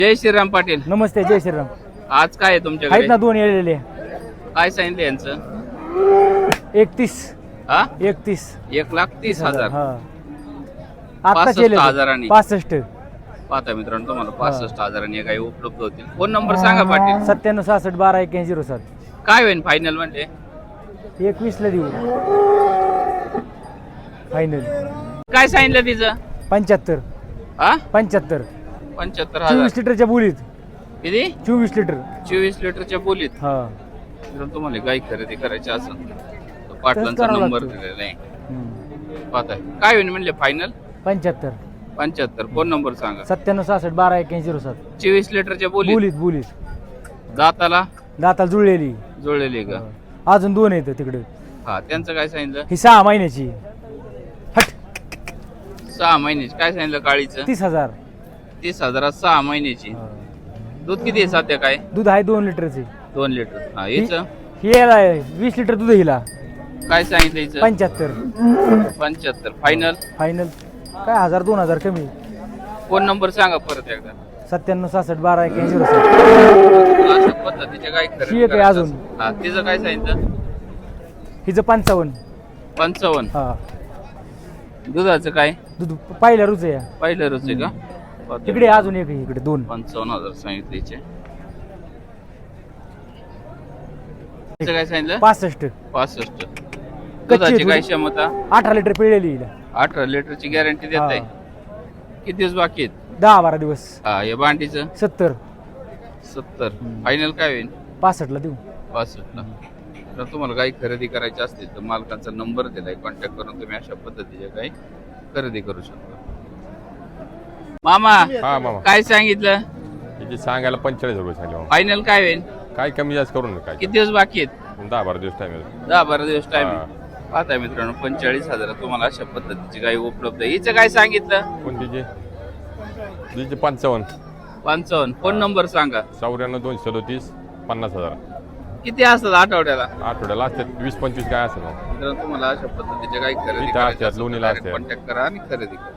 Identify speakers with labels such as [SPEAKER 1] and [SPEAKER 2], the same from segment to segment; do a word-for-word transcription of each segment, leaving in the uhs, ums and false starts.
[SPEAKER 1] जय श्रीराम पाटील.
[SPEAKER 2] नमस्ते. जय श्रीराम.
[SPEAKER 1] आज काय आहे
[SPEAKER 2] आहेत
[SPEAKER 1] तुमच्याकडे?
[SPEAKER 2] ना दोन येलेले.
[SPEAKER 1] काय सांगितलं यांचं?
[SPEAKER 2] एकतीस
[SPEAKER 1] हा
[SPEAKER 2] एकतीस
[SPEAKER 1] एक लाख तीस हजार
[SPEAKER 2] हा आता
[SPEAKER 1] पासष्ट
[SPEAKER 2] केले
[SPEAKER 1] हजारांनी.
[SPEAKER 2] पासष्ट.
[SPEAKER 1] पाहता मित्रांनो तुम्हाला पासष्ट हजारांनी काही उपलब्ध होतील. फोन नंबर सांगा पाटील.
[SPEAKER 2] सत्त्याण्णव सहासष्ट बारा एक्याऐंशी झिरो सात.
[SPEAKER 1] काय होईल फायनल म्हणजे?
[SPEAKER 2] एकवीस ला देऊ फायनल.
[SPEAKER 1] काय सांगितलं तिचं?
[SPEAKER 2] पंच्याहत्तर.
[SPEAKER 1] हा
[SPEAKER 2] पंच्याहत्तर.
[SPEAKER 1] पंच्याहत्तर हजार.
[SPEAKER 2] चोवीस लिटरच्या बोलीत.
[SPEAKER 1] किती?
[SPEAKER 2] चोवीस लिटर.
[SPEAKER 1] चोवीस लिटरच्या बोलीत.
[SPEAKER 2] हा
[SPEAKER 1] मित्रांनो तुम्हाला गाय खरेदी करायची असेल तर पाटलांचा
[SPEAKER 2] करावं
[SPEAKER 1] नंबर
[SPEAKER 2] लागतं.
[SPEAKER 1] दिलेला आहे.
[SPEAKER 2] हम्म.
[SPEAKER 1] पाहताय काय होईल म्हणले फायनल?
[SPEAKER 2] पंच्याहत्तर.
[SPEAKER 1] पंच्याहत्तर. फोन नंबर सांगा.
[SPEAKER 2] सत्त्याण्णव सहासष्ट बारा एक्याऐंशी झिरो सात.
[SPEAKER 1] चोवीस लिटरच्या बोलीत.
[SPEAKER 2] बोलीत बोलीत.
[SPEAKER 1] दाताला
[SPEAKER 2] दाताला जुळलेली.
[SPEAKER 1] जुळलेली का?
[SPEAKER 2] अजून दोन येतं तिकडे.
[SPEAKER 1] हा त्यांचं काय सांगितलं?
[SPEAKER 2] ही सहा महिन्याची.
[SPEAKER 1] सहा महिन्याची. काय सांगितलं काळीचं?
[SPEAKER 2] तीस हजार.
[SPEAKER 1] तीस हजारात सहा महिन्याची. दूध किती आहे सध्या? काय
[SPEAKER 2] दूध आहे दोन लिटरचे.
[SPEAKER 1] दोन लिटर. हा हिचं
[SPEAKER 2] ही याला वीस लिटर दूध हिला.
[SPEAKER 1] काय सांगितलं हिचं?
[SPEAKER 2] पंच्याहत्तर.
[SPEAKER 1] पंच्याहत्तर. फायनल
[SPEAKER 2] फायनल काय हजार दोन हजार कमी.
[SPEAKER 1] फोन नंबर सांगा परत एकदा.
[SPEAKER 2] सत्त्याण्णव सहासष्ट बारा एक्याऐंशी झिरो सात.
[SPEAKER 1] अशा पद्धतीच्या काय
[SPEAKER 2] ही
[SPEAKER 1] खरेदी
[SPEAKER 2] एक आहे
[SPEAKER 1] करायचं
[SPEAKER 2] अजून.
[SPEAKER 1] असेल. हा तिचं काय सांगितलं?
[SPEAKER 2] हिचं पंचावन्न.
[SPEAKER 1] पंचावन्न.
[SPEAKER 2] हा
[SPEAKER 1] दुधाचं काय?
[SPEAKER 2] दूध पहिल्या रुच आहे.
[SPEAKER 1] पहिलं रोज आहे का?
[SPEAKER 2] तिकडे अजून एक आहे, इकडे दोन.
[SPEAKER 1] पंचावन्न हजार सांगितले हिचे. हिचं काय सांगितलं?
[SPEAKER 2] पासष्ट.
[SPEAKER 1] पासष्ट. दुधाची काय क्षमता?
[SPEAKER 2] अठरा लिटर पिळलेली हिला.
[SPEAKER 1] अठरा लिटरची गॅरंटी देत आहे. किती दिवस बाकी आहेत?
[SPEAKER 2] दहा बारा दिवस.
[SPEAKER 1] हा या बांडीचं
[SPEAKER 2] सत्तर.
[SPEAKER 1] सत्तर. फायनल काय होईल?
[SPEAKER 2] पासष्ट ला देऊ.
[SPEAKER 1] पासष्ट ला. तर तुम्हाला काही खरेदी करायची असतील तर मालकांचा नंबर दिलाय, कॉन्टॅक्ट करून तुम्ही अशा पद्धतीचे काही खरेदी करू शकता. मामा
[SPEAKER 3] हा मामा
[SPEAKER 1] काय सांगितलं?
[SPEAKER 3] त्याची सांगायला पंचेचाळीस रुपये सांगितले.
[SPEAKER 1] फायनल काय होईल?
[SPEAKER 3] काय कमी जास्त करून काय
[SPEAKER 1] किती दिवस बाकी आहेत?
[SPEAKER 3] दहा बारा दिवस टाइम आहे.
[SPEAKER 1] दहा बारा दिवस टाइम.
[SPEAKER 3] हा.
[SPEAKER 1] पाहताय मित्रांनो पंचेचाळीस हजार तुम्हाला अशा पद्धतीची काही उपलब्ध आहे. हिचं काय सांगितलं?
[SPEAKER 3] कोणतीचे तिचे पंचावन्न.
[SPEAKER 1] पंचावन्न. फोन नंबर सांगा.
[SPEAKER 3] चौऱ्याण्णव दोनशे सदोतीस पन्नास हजार.
[SPEAKER 1] किती असतात आठवड्याला?
[SPEAKER 3] आठवड्याला असतात वीस पंचवीस काय असेल मग.
[SPEAKER 1] मित्रांनो तुम्हाला अशा पद्धतीचे काही खरेदी
[SPEAKER 3] इथं
[SPEAKER 1] करायची
[SPEAKER 3] असतात,
[SPEAKER 1] असेल
[SPEAKER 3] लोणीला
[SPEAKER 1] तर
[SPEAKER 3] असतात.
[SPEAKER 1] कॉन्टॅक्ट करा आणि खरेदी करा.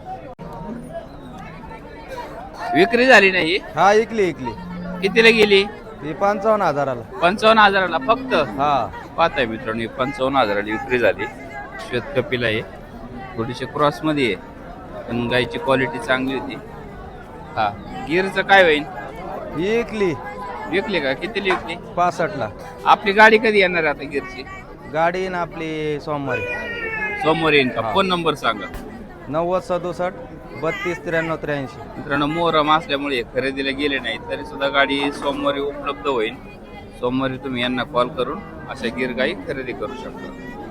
[SPEAKER 1] विक्री झाली नाही?
[SPEAKER 4] हा ऐकली ऐकली.
[SPEAKER 1] कितीला गेली?
[SPEAKER 4] ती पंचावन्न हजाराला.
[SPEAKER 1] पंचावन्न हजाराला फक्त.
[SPEAKER 4] हा
[SPEAKER 1] पाहताय मित्रांनो ही पंचावन्न हजाराची विक्री झाली. श्वेत कपिला आहे, थोडीशी क्रॉस मध्ये आहे पण गायची क्वालिटी चांगली होती. हा गिरचं काय होईल?
[SPEAKER 4] ही ऐकली
[SPEAKER 1] विकली का? कितीला विकली?
[SPEAKER 4] पासष्ट ला.
[SPEAKER 1] आपली गाडी कधी येणार आहे आता गिरची?
[SPEAKER 4] गाडी ना आपली सोमवारी.
[SPEAKER 1] सोमवार येईन का?
[SPEAKER 4] हा.
[SPEAKER 1] फोन नंबर सांगा.
[SPEAKER 4] नव्वद सदुसष्ट बत्तीस त्र्याण्णव त्र्याऐंशी.
[SPEAKER 1] मित्रांनो मोहरम असल्यामुळे खरेदीला गेले नाही तरी सुद्धा गाडी सोमवारी उपलब्ध होईल. सोमवारी तुम्ही यांना कॉल करून अशा गिर गाई खरेदी करू शकता.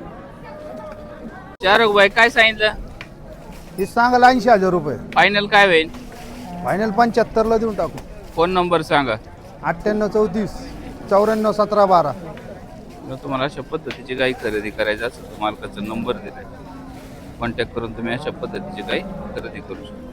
[SPEAKER 1] चार बाई काय सांगितलं?
[SPEAKER 4] ही सांगायला ऐंशी हजार रुपये.
[SPEAKER 1] फायनल काय होईल?
[SPEAKER 4] फायनल पंच्याहत्तर ला देऊन टाकू.
[SPEAKER 1] फोन नंबर सांगा.
[SPEAKER 4] अठ्ठ्याण्णव चौतीस चौऱ्याण्णव सतरा बारा.
[SPEAKER 1] जर तुम्हाला अशा पद्धतीची गाई खरेदी करायची असेल तर मालकाचा नंबर दिलाय, कॉन्टॅक्ट करून तुम्ही अशा पद्धतीची गाई खरेदी करू शकता.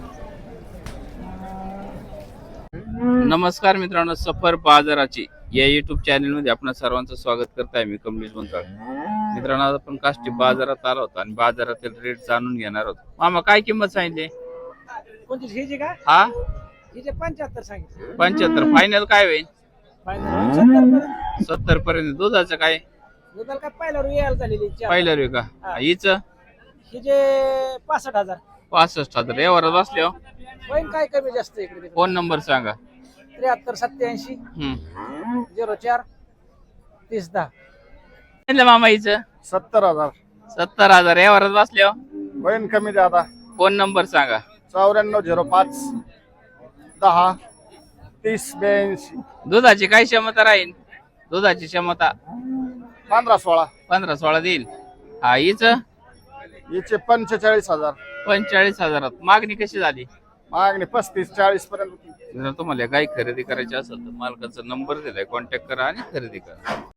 [SPEAKER 1] नमस्कार मित्रांनो, सफर बाजाराची या युट्यूब चॅनल मध्ये आपणा सर्वांचं स्वागत करताय. मी कमलेश बनताळ. मित्रांनो आज आपण काष्टी बाजारात आलो होतो आणि बाजारातील रेट जाणून घेणार आहोत. मामा काय किंमत सांगितली?
[SPEAKER 2] कोणती का?
[SPEAKER 1] हा
[SPEAKER 2] हिचे पंच्याहत्तर सांगितलं.
[SPEAKER 1] पंच्याहत्तर. फायनल काय होईल?
[SPEAKER 2] फायनल
[SPEAKER 1] सत्तर पर्यंत. दुधाचं काय?
[SPEAKER 2] दुधाला काय पहिला रू यायला झालेली.
[SPEAKER 1] पहिलं रे का? हिचं
[SPEAKER 2] हिचे पासष्ट हजार.
[SPEAKER 1] पासष्ट हजार. यावर बसले हो.
[SPEAKER 2] होईल काय कमी जास्त इकडे.
[SPEAKER 1] फोन नंबर सांगा.
[SPEAKER 2] त्र्याहत्तर सत्याऐंशी
[SPEAKER 1] हम्म
[SPEAKER 2] झिरो चार तीस दहा.
[SPEAKER 1] सांगितलं मामा हिचं?
[SPEAKER 4] सत्तर हजार.
[SPEAKER 1] सत्तर हजार. यावर बसले हो.
[SPEAKER 4] बहीण कमी दादा.
[SPEAKER 1] फोन नंबर सांगा.
[SPEAKER 4] चौऱ्याण्णव झिरो पाच दहा तीस ब्याऐंशी.
[SPEAKER 1] दुधाची काय क्षमता राहील? दुधाची क्षमता
[SPEAKER 4] पंधरा सोळा.
[SPEAKER 1] पंधरा सोळा देईल. हा हिच
[SPEAKER 4] हिचे पंचेचाळीस हजार.
[SPEAKER 1] पंचेचाळीस हजारात. मागणी कशी झाली?
[SPEAKER 4] मागणी पस्तीस चाळीस पर्यंत.
[SPEAKER 1] जर तुम्हाला गाय खरेदी करायची असेल तर मालकाचा नंबर दिलाय, कॉन्टॅक्ट करा आणि खरेदी करा.